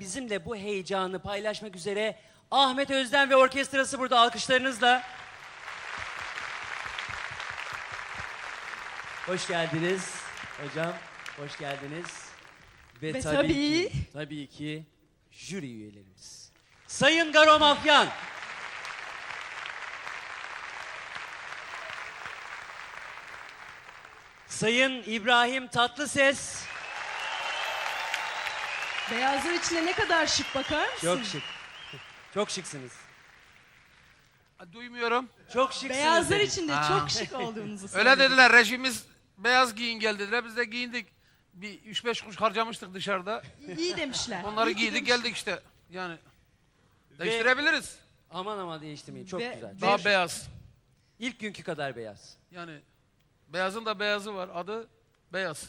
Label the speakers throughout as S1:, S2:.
S1: bizimle bu heyecanı paylaşmak üzere Ahmet Özden ve orkestrası burada alkışlarınızla. Hoş geldiniz hocam, hoş geldiniz. Ve tabii ki jüri üyelerimiz. Sayın Garo Mafyan. Sayın İbrahim Tatlıses.
S2: Beyazlar içinde ne kadar şık, bakar mısın?
S1: Çok şık. Çok şıksınız.
S3: Duymuyorum.
S1: Çok şıksınız.
S2: Beyazlar
S1: dedim.
S2: içinde çok şık olduğunuzu
S3: Öyle
S2: söyledim.
S3: dediler, rejimiz beyaz giyin gel dediler. Biz de giyindik. Bir 3-5 kuruş harcamıştık dışarıda.
S2: İyi demişler.
S3: Onları
S2: İyi ki
S3: giydik
S2: demişler.
S3: geldik işte. Yani değiştirebiliriz.
S1: Aman aman değiştirmeyin. Çok
S2: Ve-
S1: güzel.
S3: Daha beyaz.
S1: İlk günkü kadar beyaz.
S3: Yani beyazın da beyazı var. Adı Beyaz.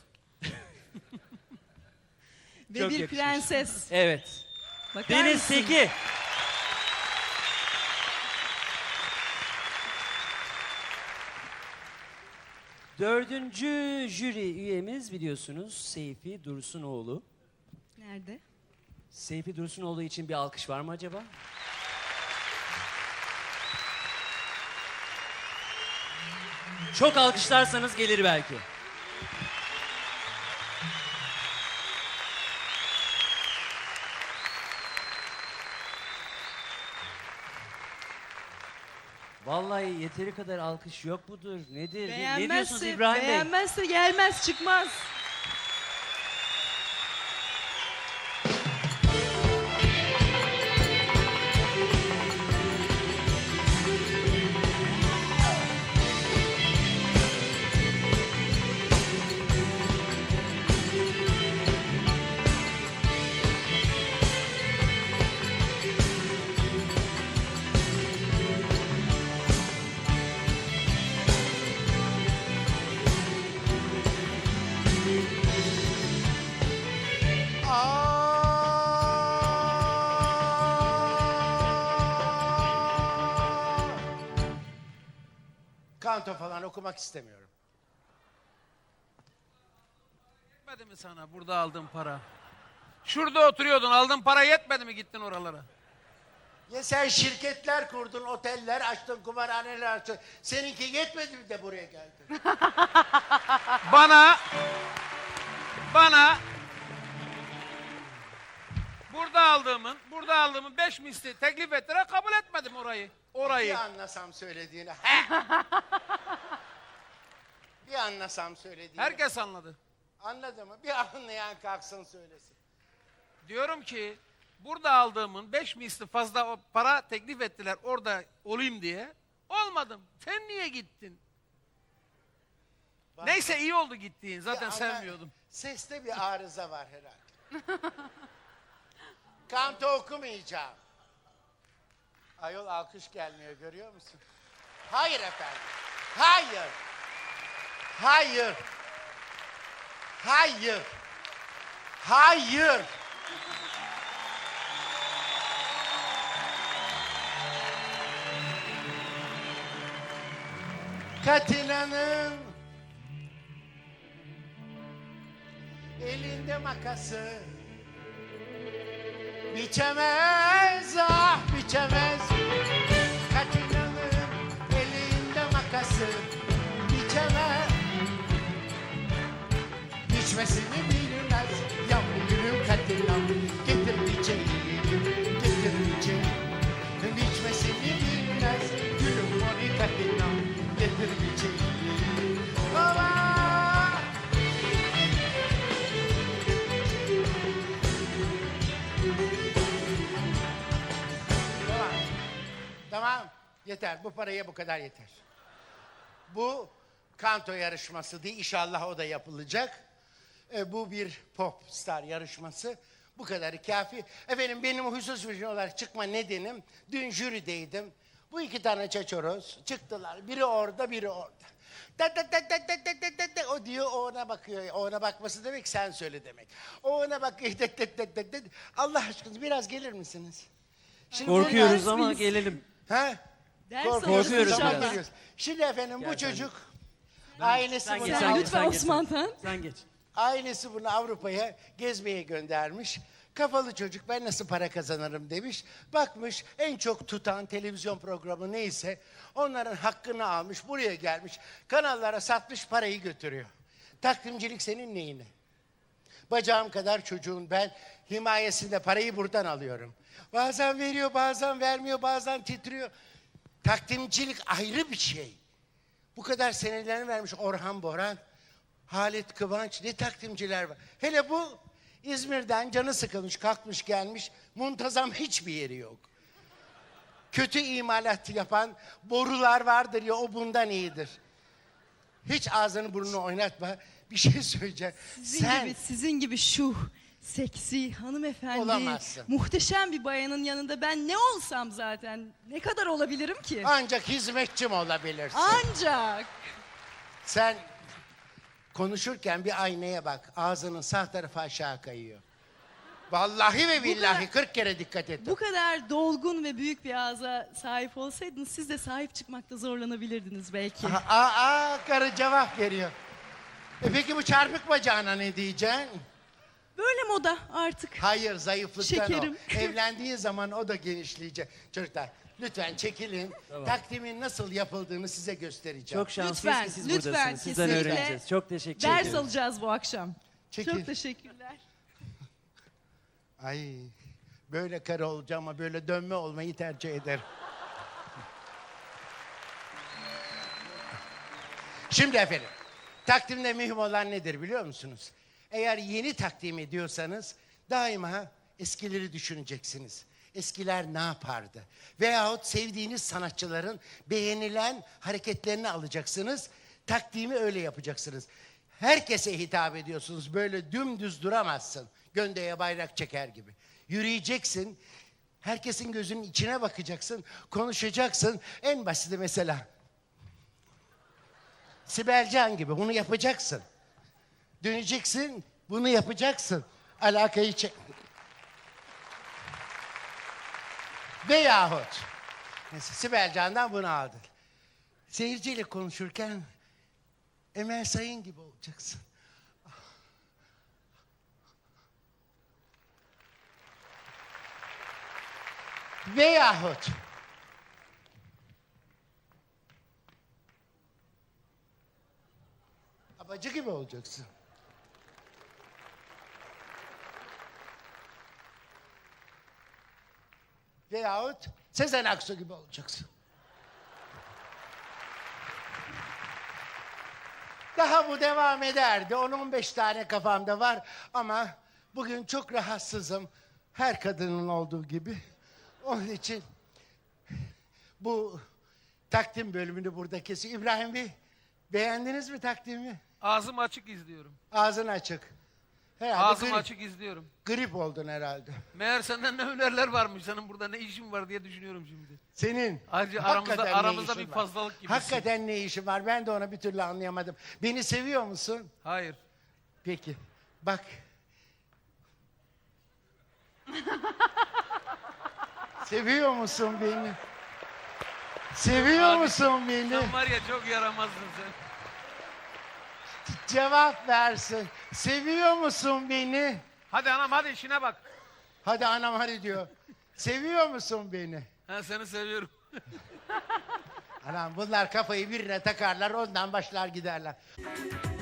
S2: Ve
S1: Çok
S2: bir
S1: yakışmış.
S2: prenses.
S1: Evet.
S2: Bakar
S1: Deniz
S2: mısın?
S1: Seki. Dördüncü jüri üyemiz biliyorsunuz Seyfi Dursunoğlu.
S2: Nerede?
S1: Seyfi Dursunoğlu için bir alkış var mı acaba? Çok alkışlarsanız gelir belki. Vallahi yeteri kadar alkış yok mudur? Nedir? Ne diyorsunuz İbrahim Bey?
S2: Beğenmezse gelmez, çıkmaz.
S4: Kanto falan okumak istemiyorum.
S3: Yetmedi mi sana burada aldığın para? Şurada oturuyordun, aldığın para yetmedi mi gittin oralara?
S4: Ya sen şirketler kurdun, oteller açtın, kumarhaneler açtın. Seninki yetmedi mi de buraya geldin?
S3: Bana burada aldığımın 5 misli teklif ettiler, kabul etmedim orayı.
S4: Bir anlasam söylediğini. Bir anlasam söylediğini.
S3: Herkes anladı.
S4: Anladı mı? Bir anlayan kalksın söylesin.
S3: Diyorum ki burada aldığımın 5 misli fazla o para teklif ettiler orada olayım diye. Olmadım. Sen niye gittin?
S4: Bak,
S3: Neyse iyi oldu gittiğin. Zaten
S4: ama
S3: sevmiyordum.
S4: Seste bir arıza var herhalde. Kanto okumayacağım. Ayol alkış gelmiyor, görüyor musun? Hayır efendim. Hayır. Hayır. Hayır. Hayır. Katina'nın elinde makası biçemez, ah biçemez. Katina'nın elinde makası biçemez. Biçmesini bilmez yavru gülüm Katina'm. Getir biçeyi, getir biçeyi. Biçmesini bilmez gülüm mori Katina'm. Getir biçeyi. Baba! Tamam, yeter. Bu paraya bu kadar yeter. Bu kanto yarışması değil, inşallah o da yapılacak. Bu bir pop star yarışması. Bu kadarı kafi. Efendim benim hususi olarak çıkma nedenim, dün jürideydim. Bu iki tane çeçoroz çıktılar. Biri orada, biri orada. O diyor, o ona bakıyor. O ona bakması demek, sen söyle demek. O ona bakıyor. Allah aşkına biraz gelir misiniz? Şimdi
S1: Korkuyoruz
S2: ders
S1: ama
S2: miyiz?
S1: gelelim.
S4: Ha?
S2: Ders
S1: Korkuyoruz
S2: alırız
S1: biraz.
S2: inşallah.
S4: Geliyoruz. Şimdi efendim
S1: Gel
S4: bu
S1: sen
S4: çocuk
S1: geç.
S4: ailesi
S1: Sen
S4: bunu
S1: geç,
S2: Sen
S1: sen geç,
S2: lütfen
S1: sen geç.
S2: Osman Tan.
S1: Sen geç.
S4: ailesi bunu Avrupa'ya gezmeye göndermiş. Kafalı çocuk, ben nasıl para kazanırım demiş. Bakmış en çok tutan televizyon programı neyse onların hakkını almış, buraya gelmiş. Kanallara satmış, parayı götürüyor. Takvimcilik senin neyine? Bacağım kadar çocuğun, ben himayesinde parayı buradan alıyorum. Bazen veriyor, bazen vermiyor, bazen titriyor. Takvimcilik ayrı bir şey. Bu kadar senelerini vermiş Orhan Boran, Halit Kıvanç, ne takvimciler var. Hele bu İzmir'den canı sıkılmış, kalkmış gelmiş, muntazam hiçbir yeri yok. Kötü imalat yapan borular vardır ya, o bundan iyidir. Hiç ağzını burnunu oynatma, bir şey söyleyeceğim.
S2: Sizin gibi şu seksi hanımefendi,
S4: Olamazsın.
S2: muhteşem bir bayanın yanında ben ne olsam zaten ne kadar olabilirim ki?
S4: Ancak hizmetçim olabilirsin.
S2: Ancak.
S4: Sen konuşurken bir aynaya bak. Ağzının sağ tarafı aşağı kayıyor. Vallahi ve billahi 40 kere dikkat et.
S2: Bu kadar dolgun ve büyük bir ağza sahip olsaydınız siz de sahip çıkmakta zorlanabilirdiniz belki.
S4: Karı cevap veriyor. Peki bu çarpık bacağına ne diyeceksin?
S2: Böyle moda artık.
S4: Hayır, zayıflıktan
S2: Şekerim.
S4: o. Evlendiği zaman o da genişleyecek. Çocuklar lütfen çekilin. Takdimin nasıl yapıldığını size göstereceğim.
S1: Çok şanslıyız
S2: Lütfen,
S1: ki siz
S2: lütfen,
S1: buradasınız. Sizden
S2: kesinlikle.
S1: öğreneceğiz. Çok teşekkür
S2: Ders
S1: ederim.
S2: alacağız bu akşam.
S4: Çekil.
S2: Çok teşekkürler.
S4: Ay, böyle karı olacağım ama böyle dönme olmayı tercih ederim. Şimdi efendim, takdimde mühim olan nedir biliyor musunuz? Eğer yeni takdim ediyorsanız daima eskileri düşüneceksiniz. Eskiler ne yapardı? Veyahut sevdiğiniz sanatçıların beğenilen hareketlerini alacaksınız. Takdimi öyle yapacaksınız. Herkese hitap ediyorsunuz. Böyle dümdüz duramazsın. Göndeye bayrak çeker gibi. Yürüyeceksin. Herkesin gözünün içine bakacaksın. Konuşacaksın. En basiti mesela. Sibel Can gibi bunu yapacaksın. Döneceksin. Bunu yapacaksın. Alakayı çek. Veyahut mesela Sibel Can'dan bunu aldın. Seyirciyle konuşurken Emel Sayın gibi olacaksın. Veyahut abacı gibi olacaksın. Veyahut Sezen Aksu gibi olacaksın. Daha bu devam ederdi. 10-15 tane kafamda var ama bugün çok rahatsızım. Her kadının olduğu gibi. Onun için bu takdim bölümünü burada kesiyor. İbrahim Bey, beğendiniz mi takdimi?
S3: Ağzım açık izliyorum.
S4: Ağzın açık. Herhalde
S3: Ağzım açık izliyorum.
S4: grip oldun herhalde.
S3: Meğer senden ne hünerler varmış. Senin burada ne işin var diye düşünüyorum şimdi.
S4: Senin
S3: Ayrıca
S4: hakikaten ne
S3: aramızda
S4: işin
S3: bir
S4: var?
S3: fazlalık gibisin.
S4: Hakikaten ne işin var? Ben de onu bir türlü anlayamadım. Beni seviyor musun?
S3: Hayır.
S4: Peki. Bak. Seviyor musun beni? Seviyor
S3: Abi,
S4: musun beni?
S3: Sen var ya çok yaramazdın sen.
S4: Cevap versin. Seviyor musun beni?
S3: Hadi anam hadi işine bak.
S4: Hadi anam hadi diyor. Seviyor musun beni?
S3: Ben seni seviyorum.
S4: Anam bunlar kafayı birine takarlar ondan başlar giderler.